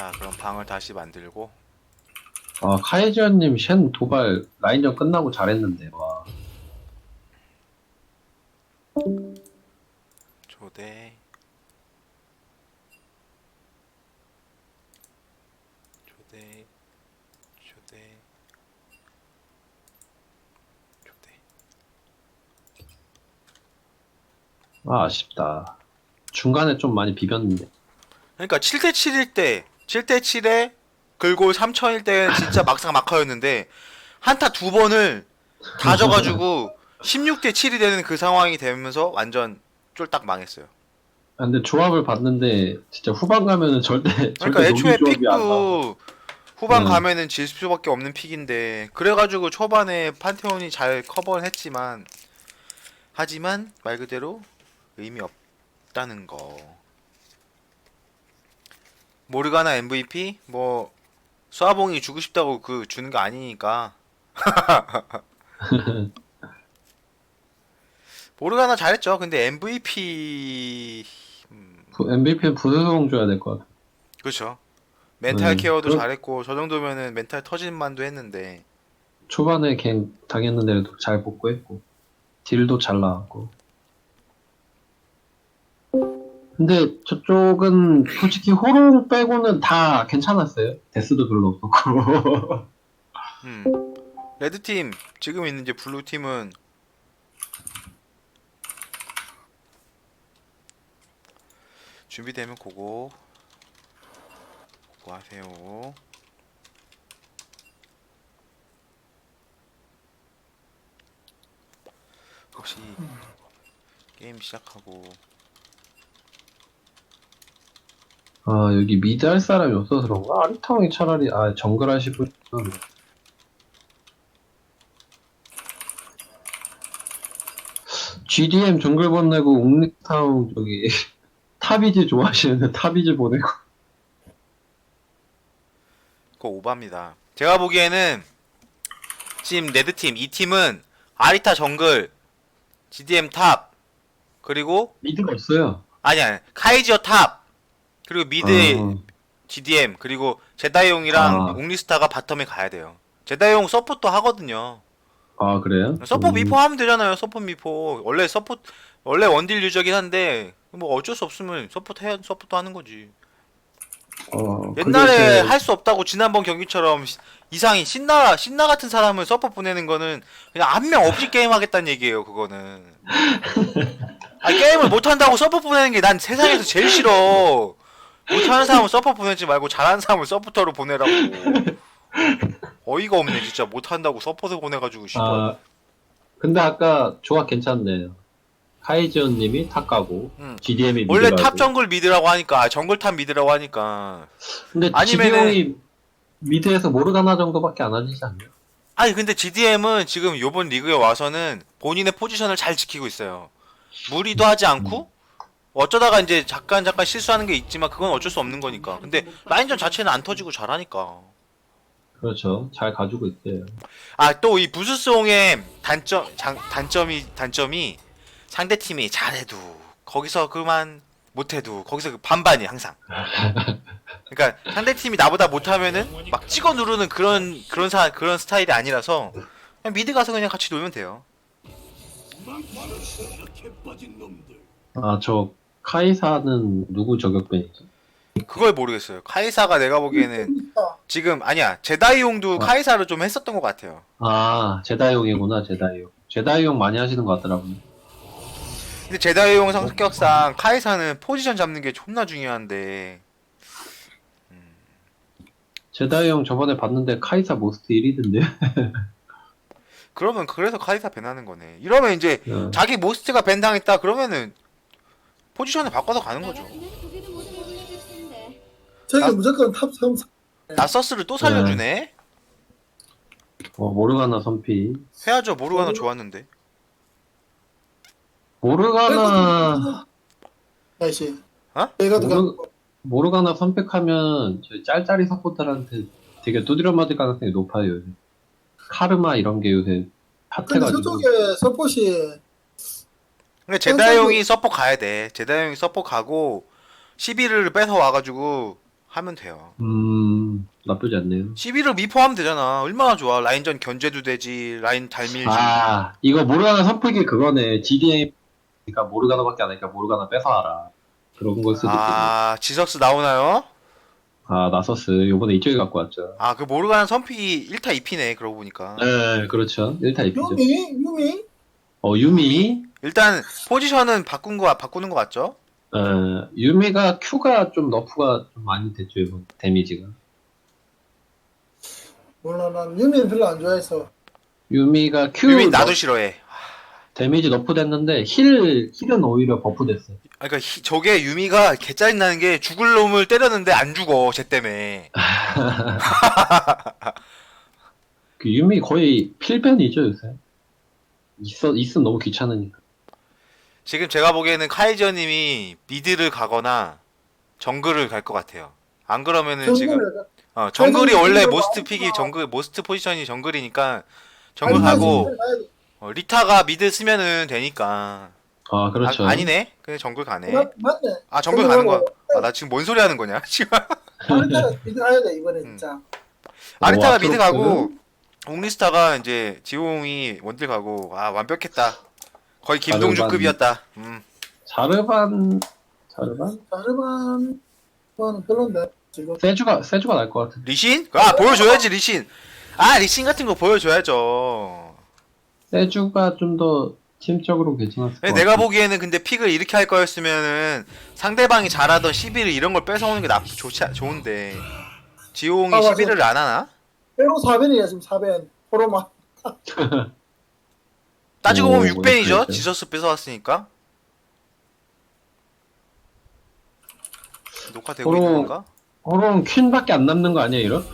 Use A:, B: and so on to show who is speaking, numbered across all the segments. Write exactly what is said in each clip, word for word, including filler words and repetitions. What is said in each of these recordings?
A: 자, 그럼 방을 다시 만들고.
B: 아, 카이지언님 쉔 도발 라인전 끝나고 잘했는데, 와.
A: 초대. 초대. 초대. 초대.
B: 아, 아쉽다. 중간에 좀 많이 비볐는데.
A: 그러니까 칠 대 칠일 때, 칠 대 칠에 글골 삼천일 때는 진짜 막상 막하였는데 한타 두 번을 다 져가지고 십육 대 칠이 되는 그 상황이 되면서 완전 쫄딱 망했어요.
B: 아, 근데 조합을 봤는데, 진짜 후반 가면은 절대,
A: 그러니까
B: 절대 녹이
A: 애초에
B: 조합이 안 나와서.
A: 픽도 후반
B: 네.
A: 가면은 질 수밖에 없는 픽인데 그래가지고 초반에 판테온이 잘 커버는 했지만 하지만 말 그대로 의미 없다는 거. 모르가나 엠브이피 뭐 수아봉이 주고 싶다고 그 주는 거 아니니까. 모르가나 잘했죠. 근데 엠브이피 음,
B: 엠브이피는 부스송 줘야 될 것 같아.
A: 그렇죠. 멘탈
B: 네.
A: 케어도
B: 그
A: 잘했고 저 정도면은 멘탈 터진 만도 했는데.
B: 초반에 갱 당했는데도 잘 복구했고, 딜도 잘 나왔고. 근데 저쪽은 솔직히 호롱 빼고는 다 괜찮았어요. 데스도 별로 없었고.
A: 음. 레드팀 지금 있는 이제 블루팀은 준비되면 그거 그거 하세요. 혹시 게임 시작하고
B: 아, 여기 미드 할 사람이 없어서 그런가? 아리탕이 차라리, 아, 정글 하시고, 지디엠 정글 보내고, 옥리타운 저기, 타비즈 좋아하시는데 타비즈 보내고.
A: 그거 오바입니다. 제가 보기에는 지금 레드팀 이 팀은 아리타 정글, 지디엠 탑, 그리고
B: 미드가 없어요.
A: 아니야 카이지어 탑, 그리고 미드
B: 아,
A: 지디엠, 그리고 제다이용이랑
B: 아,
A: 옥리스타가 바텀에 가야 돼요. 제다이용 서포터 하거든요.
B: 아, 그래요?
A: 서포 미포
B: 음,
A: 하면 되잖아요. 서포 미포 원래 서포 원래 원딜 유저긴 한데 뭐 어쩔 수 없으면 서포트 해야 서포트 하는 거지.
B: 어, 그게
A: 옛날에
B: 제,
A: 할 수 없다고 지난번 경기처럼 시- 이상이 신나 신나 같은 사람을 서포 보내는 거는 그냥 한 명 없이 게임 하겠다는 얘기예요. 그거는. 아 게임을 못 한다고 서포 보내는 게 난 세상에서 제일 싫어. 못하는 사람은 서포 보내지 말고 잘하는 사람을 서포터로 보내라고. 어이가 없네 진짜. 못한다고 서포터 보내가지고 씨발.
B: 아, 근데 아까 조합 괜찮네요. 카이지언님이 탑 가고,
A: 응.
B: 지디엠이 미드
A: 원래 탑
B: 가고.
A: 정글 미드라고 하니까 아, 정글 탑 미드라고 하니까
B: 근데
A: 아니면은
B: 지디엠이 미드에서 모르가나 정도밖에 안 하시지 않나요?
A: 아니 근데 지디엠은 지금 요번 리그에 와서는 본인의 포지션을 잘 지키고 있어요. 무리도 하지
B: 음,
A: 않고 어쩌다가 이제 잠깐 잠깐 실수하는 게 있지만 그건 어쩔 수 없는 거니까. 근데 라인전 자체는 안 터지고 잘하니까.
B: 그렇죠. 잘 가지고 있대요.
A: 아 또 이 부스송의 단점 장, 단점이 단점이 상대 팀이 잘해도 거기서 그만 못해도 거기서 그 반반이 항상. 그러니까 상대 팀이 나보다 못하면은 막 찍어 누르는 그런 그런 사 그런 스타일이 아니라서 그냥 미드 가서 그냥 같이 놀면 돼요.
B: 아, 저 카이사는 누구 저격벤이죠?
A: 그걸 모르겠어요. 카이사가 내가 보기에는 지금 아니야 제다이용도
B: 아,
A: 카이사를 좀 했었던 것 같아요.
B: 아, 제다이용이구나, 제다이용. 제다이용 많이 하시는 것 같더라고요.
A: 근데 제다이용 성격상 카이사는 포지션 잡는 게 존나 중요한데
B: 제다이용 저번에 봤는데 카이사 모스트 일 위던데.
A: 그러면 그래서 카이사 밴하는 거네. 이러면 이제
B: 어,
A: 자기 모스트가 밴 당했다 그러면은 포지션을 바꿔서 가는
C: 나
A: 거죠.
C: 같으면 고기도 못 해보겠을 텐데.
D: 저기
A: 나,
D: 무조건 탑 삼.
A: 나서스를 또
B: 네.
A: 살려주네.
B: 어, 모르가나 선피.
A: 해야죠. 모르가나 좋았는데.
B: 모르가나,
D: 나이스.
A: 어?
D: 내가
B: 모르,
D: 들어가.
B: 모르가나 선택하면 저희 짤짤이 서포터한테 되게 두드려 맞을 가능성이 높아요, 요새. 카르마 이런 게 요새
D: 근데
B: 핫해가지고.
D: 저쪽에 서폿이
A: 근데 제다이용이 서포 가야 돼. 제다이용이 서포 가고 시비를 뺏어 와가지고 하면 돼요.
B: 음, 나쁘지 않네요.
A: 시비를 미포하면 되잖아. 얼마나 좋아. 라인전 견제도 되지. 라인 달밀지.
B: 아, 이거 모르가나 선풀기 그거네. 지디엠, 그러니까 모르가나밖에 안 하니까 모르가나 뺏어와라. 그런 걸 수도 있겠네.
A: 아, 지석스 나오나요?
B: 아, 나서스. 요번에 이쪽에 갖고 왔죠.
A: 아, 그 모르가나 선픽이 일 타 이 피네. 그러고 보니까.
B: 네, 그렇죠. 일 타 이 피죠.
D: 유미 유미
B: 어, 유미.
A: 일단 포지션은 바꾼 거 바꾸는 거 맞죠?
B: 어, 유미가 Q가 좀 너프가 좀 많이 됐죠, 이번 데미지가.
D: 몰라 난 유미는 별로 안 좋아해서.
B: 유미가 Q
A: 유민 나도
B: 너-
A: 싫어해.
B: 데미지 너프 됐는데 힐, 힐은 오히려 버프 됐어요.
A: 아, 그러니까 히- 저게 유미가 개 짜증 나는 게 죽을 놈을 때렸는데 안 죽어. 쟤 때문에.
B: 그 유미 거의 필변이죠, 요새. 있어, 있으면 너무 귀찮으니까.
A: 지금 제가 보기에는 카이저님이 미드를 가거나 정글을 갈 것 같아요. 안 그러면은 지금
D: 정글을
A: 어, 정글이
D: 카이저님
A: 원래
D: 정글
A: 모스트
D: 나오구나.
A: 픽이 정글 모스트 포지션이 정글이니까 정글
D: 아니,
A: 가고
D: 아니, 아니,
A: 어, 리타가 미드 쓰면은 되니까.
B: 아, 그렇죠.
A: 아, 니네 그냥 정글 가네.
D: 맞, 맞네.
A: 아 정글 가는 거야.
D: 정글하고
A: 아, 나 지금 뭔 소리 하는 거냐? 지금
D: 아리타가 미드 가야 돼 이번에
A: 음.
D: 진짜.
A: 아리타가
B: 와,
A: 미드
B: 프로스는?
A: 가고 옹리스타가 이제 지용이 원딜 가고 아 완벽했다. 거의 김동준급이었다. 음.
B: 자르반, 자르반?
D: 자르반 거는 별론데 지금.
B: 세주가, 세주가 날 것 같아.
A: 리신? 아 보여줘야지 리신. 아 리신 같은 거 보여줘야죠.
B: 세주가 좀 더 팀적으로 괜찮았을 것
A: 근데
B: 같아.
A: 내가 보기에는 근데 픽을 이렇게 할 거였으면은 상대방이 잘하던 시비를 이런 걸 뺏어오는 게 나쁘 좋지 않- 좋은데 지용이
D: 아, 맞아.
A: 시비를 안 하나?
D: 빼고 사 변이야 지금 사 변. 포로마.
A: 따지고
B: 오,
A: 보면 육 벤이죠.
B: 그렇죠.
A: 지저스 뺏어왔으니까. 녹화되고
B: 서로-
A: 있는 건가?
B: 호롱 퀸밖에 안 남는 거 아니야, 이런?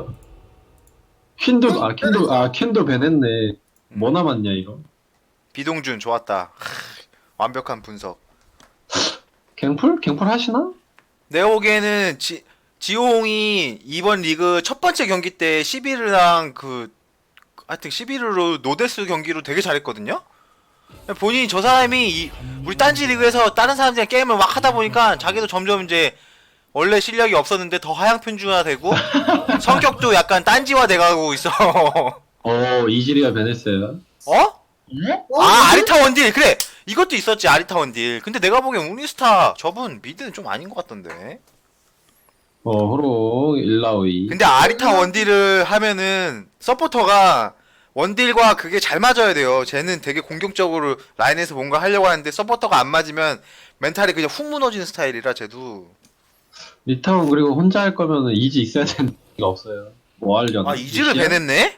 B: 퀸도, 아, 퀸도, 아, 퀸도 배냈네. 뭐 남았냐, 이거?
A: 비동준 좋았다. 하, 완벽한 분석.
B: 갱풀? 갱풀 하시나?
A: 내가 보기에는 지, 지용이 이번 리그 첫 번째 경기 때 시비르랑 그 하여튼 시비르로 노데스 경기로 되게 잘했거든요. 본인이 저 사람이 이, 우리 딴지 리그에서 다른 사람들이랑 게임을 막 하다 보니까 자기도 점점 이제 원래 실력이 없었는데 더 하향 편중화되고 성격도 약간 딴지화 돼가고 있어.
B: 어, 이지리가 배냈어요.
A: 어?
D: 어,
A: 아 아리타 원딜 그래 이것도 있었지 아리타 원딜. 근데 내가 보기엔 우니스타 저분 미드는 좀 아닌 것 같던데.
B: 어, 호롱, 일라오이.
A: 근데 아리타 원딜을 하면은 서포터가 원딜과 그게 잘 맞아야 돼요. 쟤는 되게 공격적으로 라인에서 뭔가 하려고 하는데 서포터가 안 맞으면 멘탈이 그냥 훅 무너지는 스타일이라 쟤도.
B: 리타운 그리고 혼자 할 거면은 이지 있어야 되는 게 없어요. 뭐 하려나?
A: 아 이즈를
B: 루시안?
A: 배냈네?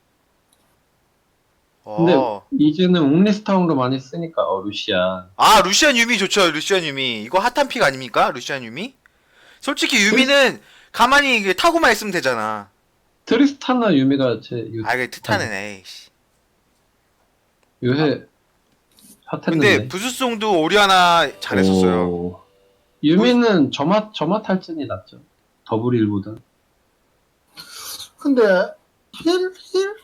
B: 근데
A: 어.
B: 이제는 옹리스타운도 많이 쓰니까 어 루시안.
A: 아 루시안 유미 좋죠. 루시안 유미 이거 핫한 픽 아닙니까? 루시안 유미? 솔직히 유미는 가만히 이게 타고만 있으면 되잖아.
B: 트리스타나 유미가 제 요,
A: 아, 그 트타는 에이씨.
B: 요새
A: 아. 근데
B: 핫했는데.
A: 부수송도 오리아나 잘했었어요.
B: 오. 유미는 점화 점화 탈진이 낫죠. 더블일보다.
D: 근데 힐 힐.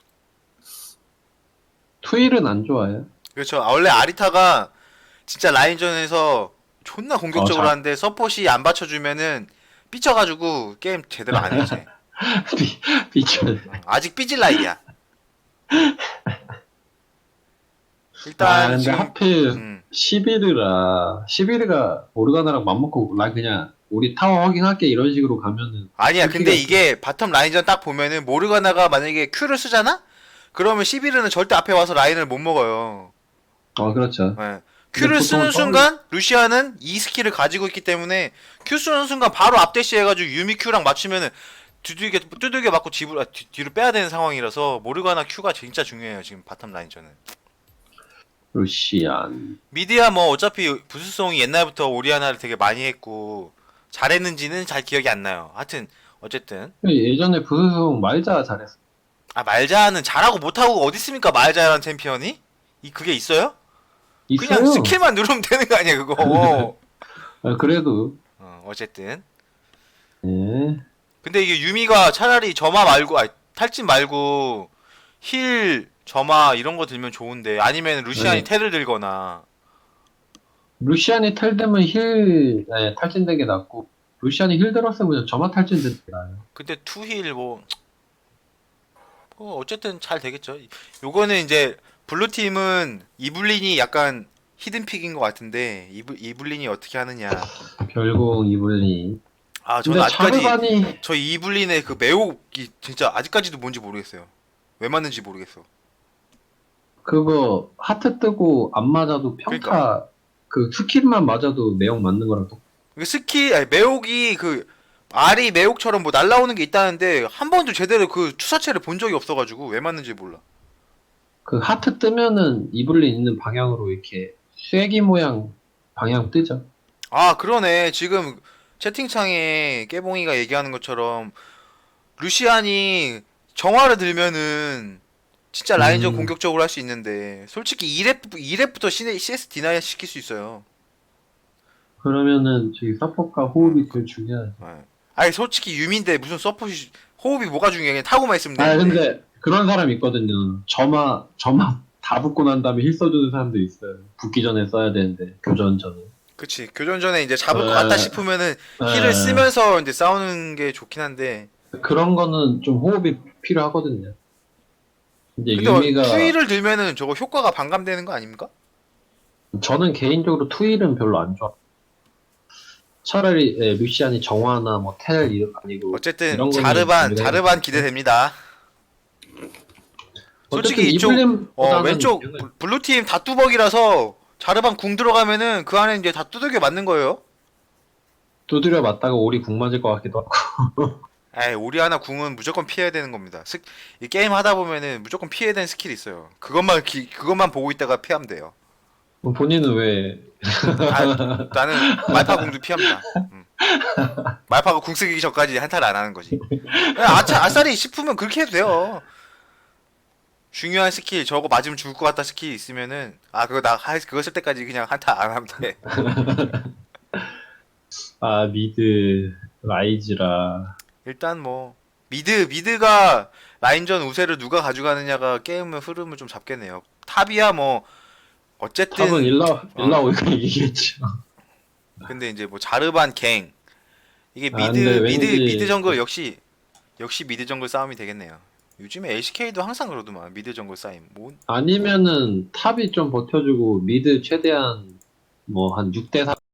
B: 투일은 안 좋아요.
A: 그렇죠. 아, 원래 아리타가 진짜 라인전에서 존나 공격적으로
B: 어, 자-
A: 하는데 서폿이 안 받쳐주면은 삐쳐가지고 게임 제대로 안 해지.
B: 비- 비춰.
A: 아직 삐질 나이야. 일단
B: 아 근데
A: 지금
B: 하필
A: 음,
B: 시비르라 시비르가 오르가나랑 맘먹고 나 그냥 우리 타워 확인할게 이런 식으로 가면은
A: 아니야. 근데
B: 솔직히
A: 이게 바텀 라인전 딱 보면은 모르가나가 만약에 Q를 쓰잖아? 그러면 시비르는 절대 앞에 와서 라인을 못 먹어요.
B: 어 그렇죠.
A: 예. Q를
B: 보통
A: 쓰는
B: 처음에-
A: 순간 루시아는 이 스킬을 가지고 있기 때문에 Q 쓰는 순간 바로 앞대시 해가지고 유미 Q랑 맞추면은 두들겨 두들겨 맞고 뒤로, 아, 뒤, 뒤로 빼야 되는 상황이라서 모르가나 Q가 진짜 중요해요 지금 바텀 라인전은.
B: 루시안.
A: 미디야 뭐 어차피 부수성이 옛날부터 오리아나를 되게 많이 했고 잘했는지는 잘 기억이 안 나요. 하여튼 어쨌든
B: 예전에 부수성 말자 잘했어.
A: 아 말자는 잘하고 못하고 어디 있습니까 말자라는 챔피언이? 이 그게 있어요?
B: 있어요.
A: 그냥 스킬만 누르면 되는 거 아니야 그거.
B: 아, 그래도
A: 어, 어쨌든
B: 예.
A: 근데 이게 유미가 차라리 점화 말고 아니 탈진 말고 힐 점화 이런 거 들면 좋은데 아니면 루시안이
B: 네.
A: 테를 들거나
B: 루시안이 탈되면 힐 네, 탈진되게 낫고 루시안이 힐 들었으면 그냥 저만 탈진데 나요.
A: 근데 투힐 뭐, 뭐 어쨌든 잘 되겠죠. 요거는 이제 블루팀은 이블린이 약간 히든픽인 것 같은데 이블, 이블린이 어떻게 하느냐.
B: 별공 이블리.
A: 아 저는
B: 근데
A: 아직까지
B: 자르반이
A: 저 이블린의 그 매혹이 진짜 아직까지도 뭔지 모르겠어요. 왜 맞는지 모르겠어.
B: 그거 하트 뜨고 안 맞아도 평타
A: 그러니까.
B: 그 스킬만 맞아도 매혹 맞는 거랑 똑.
A: 그 스킬 아니, 매혹이 그 알이 매혹처럼 뭐 날라오는 게 있다는데 한 번도 제대로 그 투사체를 본 적이 없어가지고 왜 맞는지 몰라.
B: 그 하트 뜨면은 이블린 있는 방향으로 이렇게 쐐기 모양 방향 뜨죠.
A: 아 그러네. 지금 채팅창에 깨봉이가 얘기하는 것처럼 루시안이 정화를 들면은 진짜 라인전
B: 음.
A: 공격적으로 할 수 있는데 솔직히 이 렙, 이 렙부터 씨에스 디나이 시킬 수 있어요.
B: 그러면은 저기 서포트가 호흡이 제일 중요하죠.
A: 예. 아니 솔직히 유미인데 무슨 서폿이 호흡이 뭐가 중요해. 그냥 타고만 있으면
B: 아
A: 되는데.
B: 근데 그런 사람 있거든요. 점화 점화 다 붙고 난 다음에 힐 써주는 사람도 있어요. 붙기 전에 써야 되는데 교전 전에.
A: 그치. 교전 전에 이제 잡을 것
B: 에,
A: 같다 싶으면은
B: 에.
A: 힐을 쓰면서 이제 싸우는 게 좋긴 한데.
B: 그런 거는 좀 호흡이 필요하거든요. 이제
A: 근데
B: 유미가
A: 투일을 들면은 저거 효과가 반감되는 거 아닙니까?
B: 저는 개인적으로 투일은 별로 안 좋아. 차라리 예, 루시안이 정화나 뭐 텔 이런 아니고
A: 어쨌든
B: 이런 거는
A: 자르반
B: 우리가
A: 자르반
B: 해도
A: 기대됩니다. 솔직히
B: 어쨌든
A: 이쪽
B: 이블린보다는
A: 어 왼쪽
B: 이거는
A: 블- 블루팀 다 뚜벅이라서 자르반 궁 들어가면은 그 안에 이제 다 두들겨 맞는 거예요.
B: 두드려 맞다가 오리 궁 맞을 것 같기도 하고.
A: 에이 오리아나 궁은 무조건 피해야 되는 겁니다. 스, 이 게임 하다 보면은 무조건 피해야 되는 스킬이 있어요. 그것만 기, 그것만 보고 있다가 피하면 돼요.
B: 뭐 본인은 왜
A: 아, 나는 말파 궁도 피합니다. 음. 말파가 궁 쓰기 전까지 한타를 안 하는 거지. 그냥 아차 아싸리 싶으면 그렇게 해도 돼요. 중요한 스킬 저거 맞으면 죽을 것 같다 스킬 있으면은 아 그거 나 하- 그거 쓸 때까지 그냥 한타 안 하면 돼.
B: 아 미드 라이즈라
A: 일단 뭐 미드 미드가 라인전 우세를 누가 가져가느냐가 게임의 흐름을 좀 잡겠네요. 탑이야 뭐 어쨌든
B: 탑은 일라
A: 어.
B: 일라오니까 이기겠죠.
A: 근데 이제 뭐 자르반 갱 이게
B: 아,
A: 미드
B: 근데
A: 미드
B: 왠지-
A: 미드 정글 역시 역시 미드 정글 싸움이 되겠네요. 요즘에 엘씨케이도 항상 그러더만 미드 정글 싸움. 뭐
B: 아니면은 탑이 좀 버텨주고 미드 최대한 뭐 한 육 대 삼